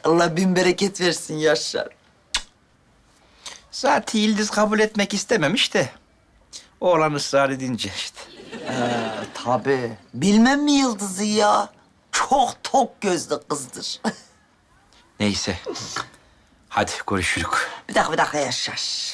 Allah bin bereket versin Yaşar. Zaten Yıldız kabul etmek istememiş de oğlan ısrar edince işte. Tabii. Bilmem mi Yıldız'ı ya? Çok tok gözlü kızdır. Neyse. Hadi görüşürüz. Bir dakika Yaşar.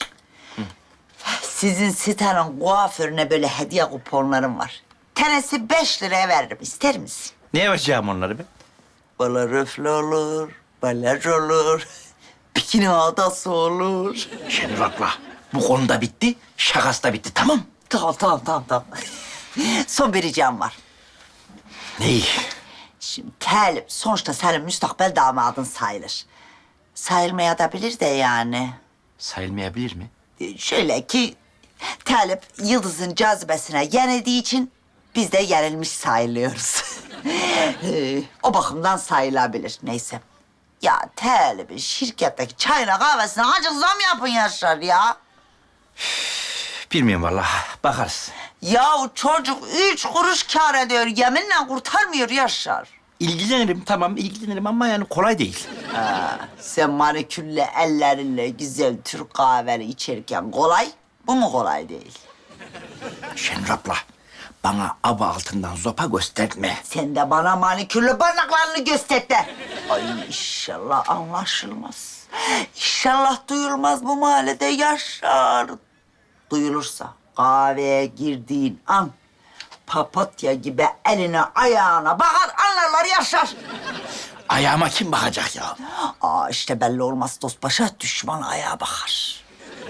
Sizin sitenin kuaförüne böyle hediye kuponlarım var. Tanesi 5 liraya veririm. İster misin? Ne yapacağım onları ben? Bala röfle olur, balaj olur, bikini adası olur. Şenur abla, bu konuda bitti, şakası da bitti, tamam? Tamam. Son bir ricam var. Ney? Şimdi Talip sonuçta senin müstakbel damadın sayılır. Sayılmaya da bilir de yani. Sayılmayabilir mi? Şöyle ki Talip Yıldız'ın cazibesine yenildiği için biz de yenilmiş sayılıyoruz. O bakımdan sayılabilir. Neyse. Ya Talip'in şirketteki çayına kahvesine acık zam yapın Yaşar ya. Bilmiyorum vallahi, bakarız. Ya o çocuk 3 kuruş kâr ediyor. Yeminle kurtarmıyor Yaşar. İlgilenirim, tamam ilgilenirim ama yani kolay değil. Sen manikürle ellerinle güzel Türk kahveni içerken kolay, bu mu kolay değil? Şenur abla, bana aba altından zopa gösterme. Sen de bana manikürlü parmaklarını göster de. Ay inşallah anlaşılmaz. İnşallah duyulmaz bu mahallede Yaşar. Duyulursa kahveye girdiğin an papatya gibi eline ayağına bakar anlarlar Yaşar. Ayağıma kim bakacak ya? İşte belli olmaz dost başa düşman ayağa bakar.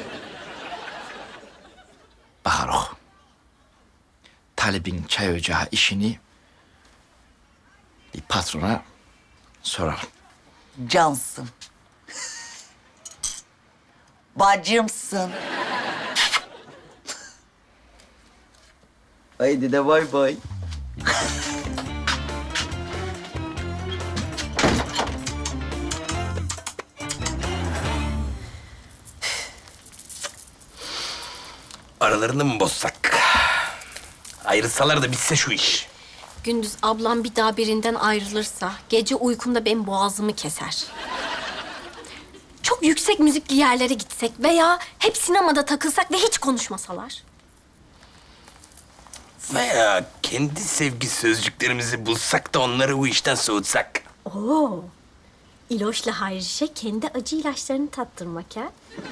Bakar o. Talib'in çay ocağı işini bir patrona soralım. Cansın. Bacımsın. Haydi de bay bay. Aralarını mı bozsak? Ayrılsalar da bitse şu iş. Gündüz ablam bir daha birinden ayrılırsa gece uykumda benim boğazımı keser. Çok yüksek müzikli yerlere gitsek veya hep sinemada takılsak ve hiç konuşmasalar. Veya kendi sevgi sözcüklerimizi bulsak da onları bu işten soğutsak. Oo. İloş'la Hayriş'e kendi acı ilaçlarını tattırmak ha?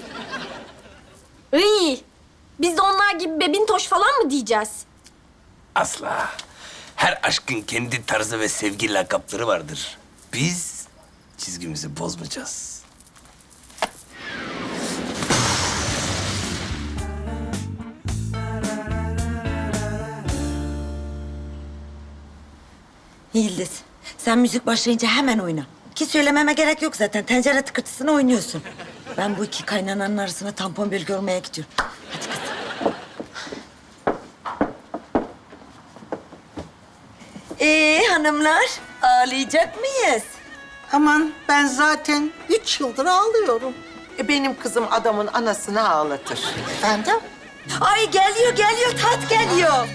Iy! Biz de onlar gibi bebintoş falan mı diyeceğiz? Asla. Her aşkın kendi tarzı ve sevgi lakapları vardır. Biz çizgimizi bozmayacağız. Yıldız, sen müzik başlayınca hemen oyna. Ki söylememe gerek yok zaten. Tencere tıkırtısını oynuyorsun. Ben bu iki kaynananın arasına tampon bölge olmaya gidiyorum. Hadi kızım. Hanımlar, ağlayacak mıyız? Aman ben zaten 3 yıldır ağlıyorum. Benim kızım adamın anasını ağlatır. Efendim? Ay geliyor, tat geliyor.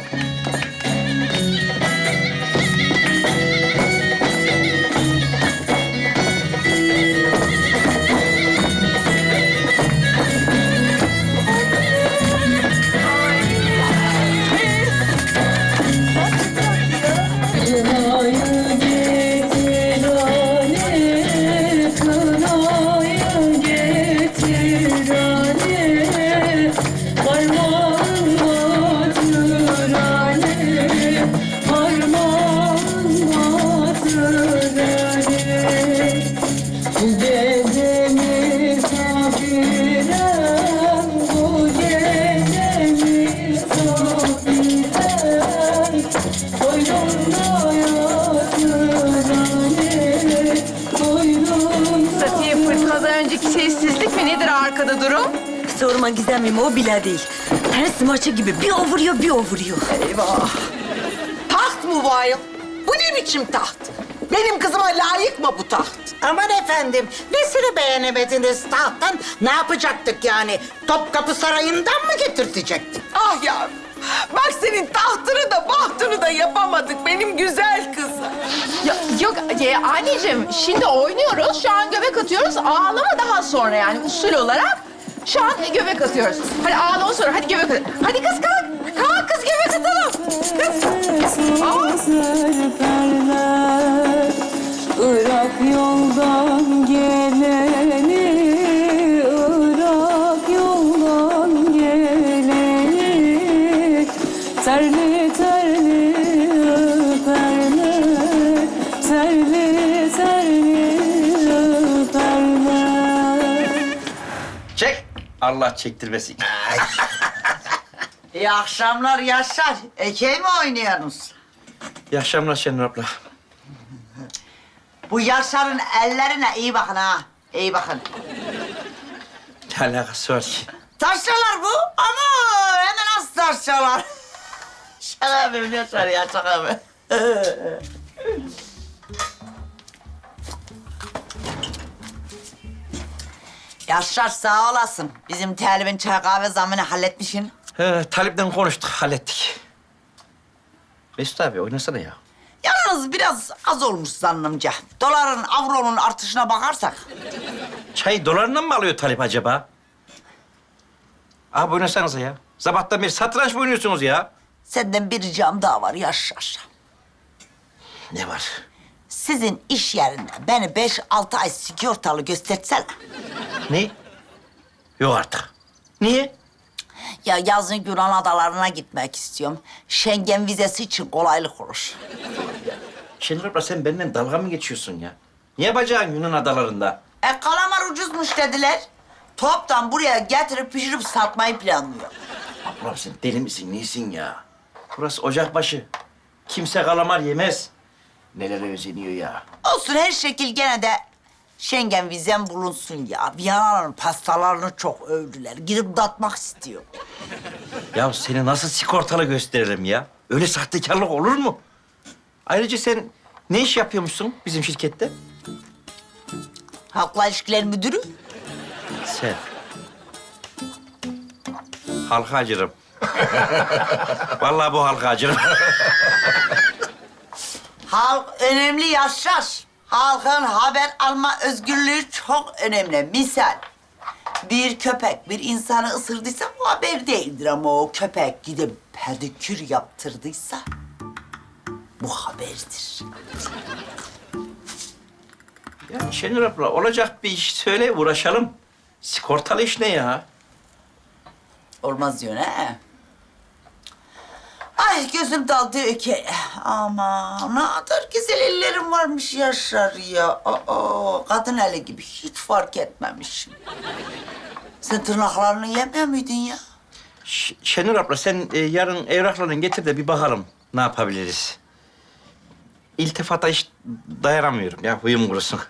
Safiye fırtınadan önceki sessizlik mi nedir arkada durum? Sorma Gizemciğim, o bile değil. Ters maçı gibi bir o vuruyor, bir o vuruyor. Eyvah. Taht mı bu ayol? Bu ne biçim taht? Benim kızıma layık mı bu taht? Aman efendim, nesini beğenemediniz tahttan? Ne yapacaktık yani? Topkapı Sarayı'ndan mı getirtecektik? Ah yavrum. Bak senin tahtını da bahtını da yapamadık benim güzel kızım. Yok Anneciğim şimdi oynuyoruz. Şu an göbek atıyoruz. Ağlama daha sonra yani usul olarak. Şu an göbek atıyoruz. Hadi ağlama sonra. Hadi göbek at. Hadi kız kalk. Kalk kız göbek atalım. Kız. Irak yoldan geleni, Irak yoldan geleni, terli terli öperler, terli terli öperler. Çek. Allah çektirmesin. İyi akşamlar Yaşar. Ekey mi oynuyorsunuz? İyi akşamlar Şenur abla. Bu Yaşar'ın ellerine iyi bakın ha. İyi bakın. Ne alakası var ki? Taşralar bu ama hem de nasıl taşralar? Şaka yapıyorum Yaşar ya, şaka yapıyorum. Yaşar sağ olasın. Bizim Talib'in çay kahve zammını halletmişsin. Talip'ten konuştuk, hallettik. Mesut abi oynasana ya. Yalnız biraz az olmuş zannımca. Doların, avronun artışına bakarsak. Çayı dolarla mı alıyor Talip acaba? Abi oynasanıza ya. Sabahtan beri satranç mı oynuyorsunuz ya? Senden bir ricam daha var Yaşar. Ne var? Sizin iş yerinde beni 5-6 ay sigortalı göstersene. Ne? Yok artık. Niye? Ya yazın Yunan adalarına gitmek istiyorum. Schengen vizesi için kolaylık olur. Şenur abla sen benimle dalga mı geçiyorsun ya? Ne yapacaksın Yunan adalarında? Kalamar ucuzmuş dediler. Toptan buraya getirip pişirip satmayı planlıyor. Ablam sen deli misin, neysin ya? Burası ocakbaşı. Kimse kalamar yemez. Nelere özeniyor ya? Olsun her şekil gene de Schengen vizem bulunsun ya. Viyana'nın pastalarını çok övdüler. Girip tatmak istiyor. Ya seni nasıl sigortalı gösteririm ya? Öyle sahtekarlık olur mu? Ayrıca sen ne iş yapıyormuşsun bizim şirkette? Halkla ilişkiler müdürü. Sen. Halka acırım. Vallahi bu halka acırım. Halk önemli Yaşar. Halkın haber alma özgürlüğü çok önemli. Misal, bir köpek bir insanı ısırdıysa bu haber değildir ama o köpek gidip pedikür yaptırdıysa bu haberdir. Ya Şenur abla olacak bir iş söyle uğraşalım. Sigortalı iş ne ya? Olmaz diyorsun he? Ay gözüm daldı öke. Aman ne kadar güzel ellerim varmış Yaşar ya. Aa, kadın eli gibi hiç fark etmemişim. Sen tırnaklarını yemiyor muydun ya? Şenur abla sen yarın evraklarını getir de bir bakalım ne yapabiliriz. İltifata hiç dayanamıyorum ya huyum kurusun.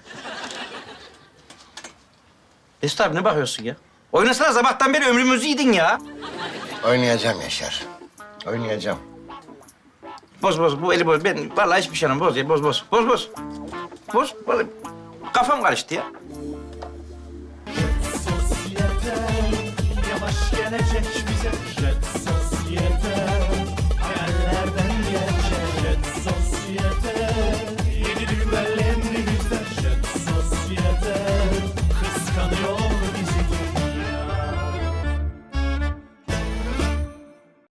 Mesut abi ne bakıyorsun ya? Oynasana sabahtan beri ömrümüzü yedin ya. Oynayacağım Yaşar. Oynayacağım. Boz bu eli boz. Ben vallahi hiçbir şey anlamam. Boz ya boz. Boz. Vallahi kafam karıştı ya. Yavaş gelecek bize jet